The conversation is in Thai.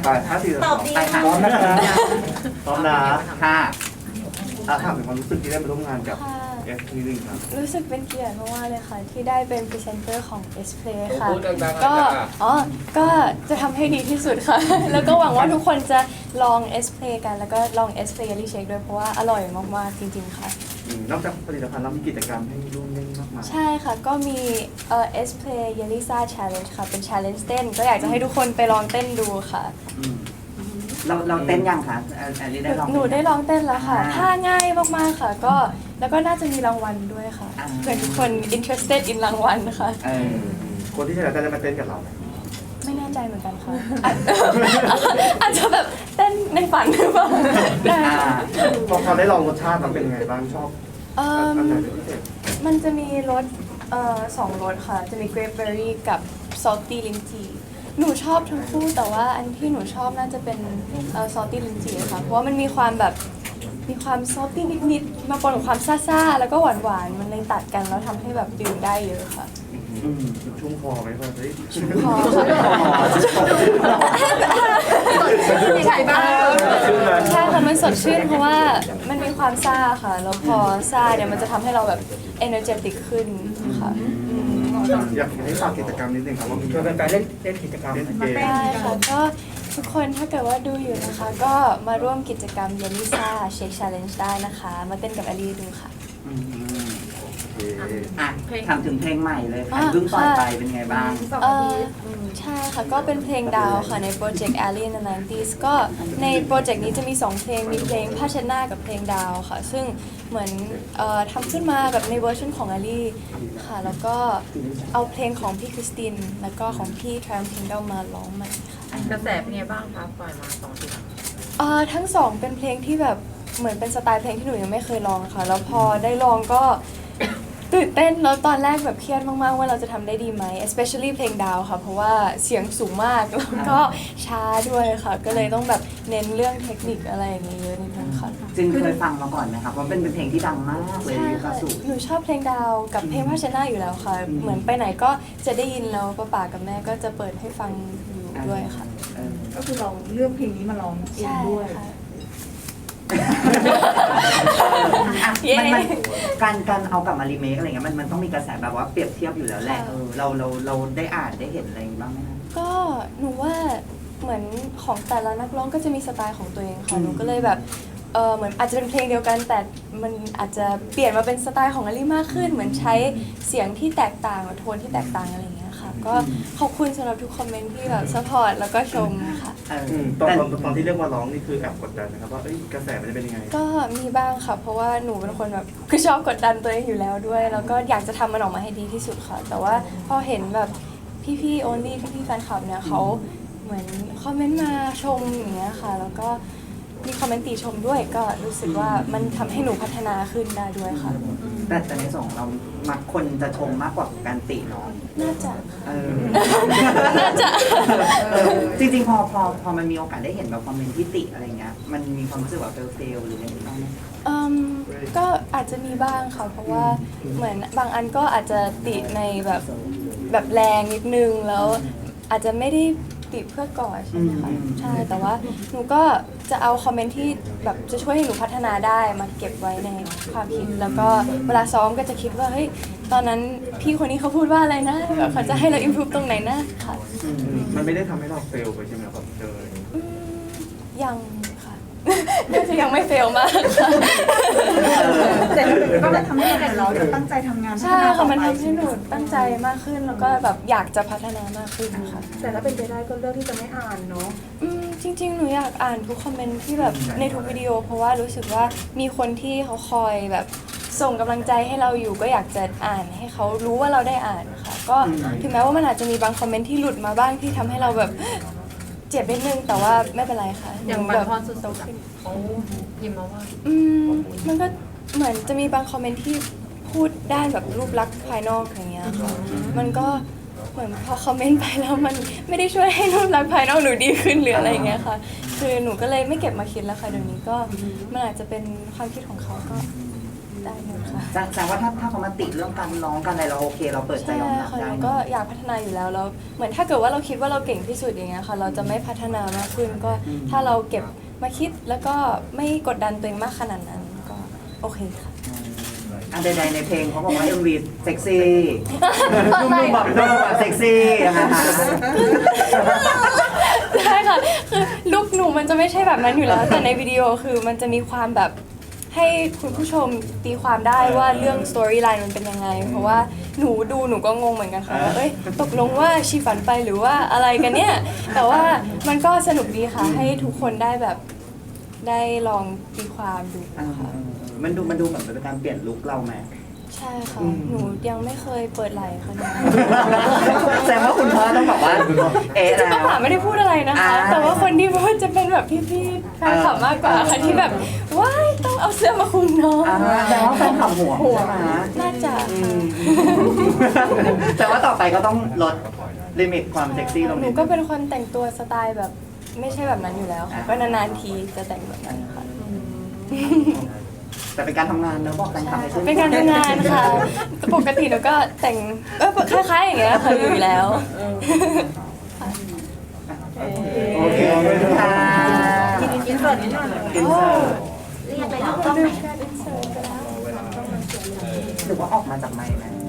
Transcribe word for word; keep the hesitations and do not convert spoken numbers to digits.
ไปห้าสี่สตออบงดีไปค่ะพร้อมนะคะพร้อมนะค่ะอ่ะถามถึงความรู้สึกที่ได้มาร่วมงานกับค่ะเอฟนิดนึงครับรู้สึกเป็นเกียรติมากๆเลยค่ะ ที่ได้เป็นพรีเซนเตอร์ของ เอส เพลย์ ค่ะพูดดังๆก็หน่อยค่ะอ๋อก็จะทำให้ดีที่สุดค่ะ แล้วก็หวังว่าทุกคนจะลอง เอส เพลย์ กัน แล้วก็ลอง เอส เพลย์ Jelly Shake ด้วยเพราะว่าอร่อยมากๆจริงๆค่ะอืมนอกจากผลิตภัณฑ์แล้วมีกิจกรรมให้ร่วมเล่นมากมายใช่ค่ะ ก็มีเอ่อ เอส เพลย์ Jelly Sa Challenge ค่ะ เป็น challenge เต้น ก็อยากจะให้ทุกคนไปลองเต้นดูค่ะอืมเราเราเต้นยังคะแอนแอนนี่ได้ลองหนูได้ลองเต้นแล้วค่ะอ่าท่าง่ายมากๆค่ะ ก็แล้วก็น่าจะมีรางวัลด้วยค่ะอ่าเพื่อทุกคน interested in รางวัลค่ะเออคนที่ชนะจะมาเต้นกับเราไหมไม่แน่ใจเหมือนกันค่ะ อาจอาจจะแบบเต้นในฝันหรือเปล่าได้อ่าพอพอได้ลองรสชาติมันเป็นไงบ้างชอบเอิ่มอันไหนเป็นพิเศษมันจะมีรสเอ่อสองรสค่ะ จะมี grapeberry กับ salty lychee หนูชอบทั้งคู่แต่ว่าอันที่หนูชอบน่าจะเป็นเอ่อ salty lychee ค่ะ เพราะว่ามันมีความแบบมีความ salty นิดๆมาปนกับความซ่าๆ แล้วก็หวานๆ มันเลยตัดกันแล้วทำให้แบบดื่มได้เยอะค่ะอืมชุ่มคอไหมครับเฮ้ยพอค่ะใช่บ้างใช่ค่ะมันสดชื่นเพราะว่ามันมีความซ่าค่ะ แล้วพอซ่าเนี่ยมันจะทำให้เราแบบ energetic ขึ้นค่ะอืมอยากให้ฝากกิจกรรมนิดนึงครับว่ามีชวนแฟนๆเล่นเล่นกิจกรรมเล่นเกมได้ค่ะก็ทุกคนถ้าเกิดว่าดูอยู่นะคะ ก็มาร่วมกิจกรรม Jelly Sa Shake Challenge ได้นะคะ มาเต้นกับอลีดูค่ะอืมโอเคอ่ะถามถึงเพลงใหม่เลยค่ะอ่ะเพิ่งปล่อยไปค่ะเป็นไงบ้างเอ่อใช่ค่ะ ก็เป็นเพลงดาวค่ะในโปรเจกต์ Alley in the ไนน์ตี้ ก็ในโปรเจกต์นี้จะมีสองเพลง มีเพลงผ้าเช็ดหน้ากับเพลงดาวค่ะ ซึ่งเหมือนเอ่อทำขึ้นมาแบบในเวอร์ชันของ Alley ค่ะ แล้วก็เอาเพลงของพี่คริสติน แล้วก็ของพี่ Triumph Kingdom มาร้องใหม่ค่ะกระแสเป็นไงบ้างคะปล่อยมาสองทีเอ่อทั้งสองเป็นเพลงที่แบบเหมือนเป็นสไตล์เพลงที่หนูยังไม่เคยลองค่ะ แล้วพอได้ลองก็ ตื่นเต้นแล้วตอนแรกแบบเครียดมากๆว่าเราจะทำได้ดีไหม especially เพลงดาวค่ะ เพราะว่าเสียงสูงมากแล้วก็ช้าด้วยค่ะ ก็เลยต้องแบบเน้นเรื่องเทคนิคอะไรอย่างนี้เยอะนิดนึงค่ะจึงเคยฟังมาก่อนไหมครับว่าเป็นเป็นเพลงที่ดังมากเลยใช่ยุคค่ะสูหนูชอบเพลงดาวกับเพลงผ้าเช็ดหน้าอยู่แล้วค่ะ เหมือนไปไหนก็จะได้ยินแล้วป้าป๋ากับแม่ก็จะเปิดให้ฟังอยู่ด้วยค่ะเออก็คือเราเลือกเพลงนี้มาร้องเองใช่ด้วยค่ะอ่ะเย้มันมันการการเอากลับมารีเมคอะไรเงี้ยมันมันต้องมีกระแสแบบว่าเปรียบเทียบอยู่แล้วแหละค่ะเออเราเราเราได้อ่านได้เห็นอะไรบ้างไหมคะก็หนูว่าเหมือนของแต่ละนักร้องก็จะมีสไตล์ของตัวเองค่ะอืมหนูก็เลยแบบเออเหมือนอาจจะเป็นเพลงเดียวกัน แต่มันอาจจะเปลี่ยนมาเป็นสไตล์ของอลี่มากขึ้น เหมือนใช้เสียงที่แตกต่างโทนที่แตกต่างอะไรอย่างเงี้ยค่ะ ก็ขอบคุณสำหรับทุกคอมเมนต์ที่แบบสปอร์ตแล้วก็ชมค่ะเอออืมตอนแต่ตอนตอนที่เรียกว่าร้องนี่คือแอบกดดันนะครับว่าเอ้ยกระแสมันจะเป็นยังไงก็มีบ้างค่ะ เพราะว่าหนูเป็นคนแบบคือชอบกดดันตัวเองอยู่แล้วด้วย แล้วก็อยากจะทำมันออกมาให้ดีที่สุดค่ะ แต่ว่าพอเห็นแบบพี่ๆโอลี่พี่ๆแฟนคลับเนี่ยเขาเหมือนคอมเมนต์มาชมอย่างเงี้ยค่ะ แล้วก็มีคอมเมนต์ติชมด้วย ก็รู้สึกว่ามันทำให้หนูพัฒนาขึ้นได้ด้วยค่ะแต่แต่ในส่วนของเรามักคนจะชมมากกว่าการติเนาะน่าจะค่ะเออน่าจะเออจริงๆพอพอพอมันมีโอกาสได้เห็นแบบคอมเมนต์ที่ติอะไรเงี้ยมันมีความรู้สึกว่าเฟลเฟลหรืออะไรบ้างไหมอืมก็อาจจะมีบ้างค่ะ เพราะว่าเหมือนบางอันก็อาจจะติในแบบแบบแรงนิดนึงแล้วอาจจะไม่ได้ติเพื่อก่อใช่ไหมคะอืมใช่แต่ว่าหนูก็จะเอาคอมเมนต์ที่แบบจะช่วยให้หนูพัฒนาได้มาเก็บไว้ในความคิด แล้วก็เวลาซ้อมก็จะคิดว่าเฮ้ยตอนนั้นพี่คนนี้เขาพูดว่าอะไรนะแบบเขาจะให้เราอิมพ o ู e ตรงไหนนะค่ะอืมมันไม่ได้ทำให้เราเฟลไปใช่ไหมครับเจออืมยังค่ะ น่าจะยังไม่เฟลมากค่ะแต่ก็มันทำให้เราจะตั้งใจทำงานใช่ค่ะมันทำให้หนูตั้งใจมากขึ้นแล้วก็แบบอยากจะพัฒนามากขึ้นค่ะแต่ถ้าเป็นไปได้ก็เลือกที่จะไม่อ่านเนาะอืมจริงๆ หนูอยากอ่านทุกคอมเมนต์ที่แบบในทุกวิดีโอ เพราะว่ารู้สึกว่ามีคนที่เขาคอยแบบส่งกำลังใจให้เราอยู่ก็อยากจะอ่านให้เขารู้ว่าเราได้อ่านค่ะ ก็ถึงแม้ว่ามันอาจจะมีบางคอมเมนต์ที่หลุดมาบ้างที่ทำให้เราแบบเจ็บนิดนึงแต่ว่าไม่เป็นไรค่ะอย่างหนูบางแบบพรสุดๆอะเขาพิมพ์มาว่าอืมมันก็เหมือนจะมีบางคอมเมนต์ที่พูดด้านแบบรูปลักษณ์ภายนอกอย่างเงี้ยค่ะมันก็เหมือนพอคอมเมนต์ไปแล้วมันไม่ได้ช่วยให้รูปลักษณ์ภายนอกหนูดีขึ้นหรืออะไรเงี้ยค่ะ คือหนูก็เลยไม่เก็บมาคิดแล้วค่ะเดี๋ยวนี้ก็มันอาจจะเป็นความคิดของเขาก็ได้หมดค่ะแสดงว่าถ้าถ้าเขามาติเรื่องการร้องกันอะไรเราโอเค เราเปิดใจใช่ยอมรับค่ะได้เราก็อยากพัฒนาอยู่แล้วแล้วเหมือนถ้าเกิดว่าเราคิดว่าเราเก่งที่สุดอย่างเงี้ยค่ะ เราจะไม่พัฒนามากขึ้นก็ถ้าเราเก็บมาคิดแล้วก็ไม่กดดันตัวเองมากขนาดนั้นก็โอเคค่ะอันใดๆในเพลงเขาบอกว่า เอ็ม วี เซ็กซี่ดูมือแบบดูแบบเซ็กซี่ยังไงคะใช่ค่ะคือลุคหนูมันจะไม่ใช่แบบนั้นอยู่แล้ว แต่ในวิดีโอคือมันจะมีความแบบให้คุณผู้ชมตีความได้ว่าเรื่องสตอรี่ไลน์มันเป็นยังไง เพราะว่าหนูดูหนูก็งงเหมือนกันค่ะว่าเอ้ยตกลงว่าชีฝันไปหรือว่าอะไรกันเนี่ย แต่ว่ามันก็สนุกดีค่ะ ให้ทุกคนได้แบบได้ลองตีความดูอ่าค่ะมันดูมันดูเหมือนเป็นการเปลี่ยนลุคเราไหมใช่ค่ะ หนูยังไม่เคยเปิดไหล่ค่ะเนี่ยแสดงว่าคุณพ่อต้องแบบว่าเอ๊ะจริงๆแล้ป้าว ป๋าไม่ได้พูดอะไรนะคะอ่าแต่ว่าคนที่พูดจะเป็นแบบพี่ๆแฟนคลับมากกว่าค่ะที่แบบว้ายต้องเอาเสื้อมาคลุมน้องอ่าแต่ว่าแฟนขับหัวหัวมาน่าจะอืมแต่ว่าต่อไปก็ต้องลดลิมิตความเซ็กซี่ลงหนูนิดก็เป็นคนแต่งตัวสไตล์แบบไม่ใช่แบบนั้นอยู่แล้วค่ะ ก็นานๆทีจะแต่งแบบนั้นค่ะแต่เป็นการทำงานเนอะบอกแฟนคลับให้ช่วยเป็นการทำงานค่ะ ปกติหนูก็แต่งเออคล้ายๆอย่างเงี้ยค่ะอยู่แล้วโอเคค่ะอินเสิร์ตนิดหน่อยอินเสิร์ตเรียกไปแล้วต้องไหนหรือว่าออกมาจากไมค์ไหม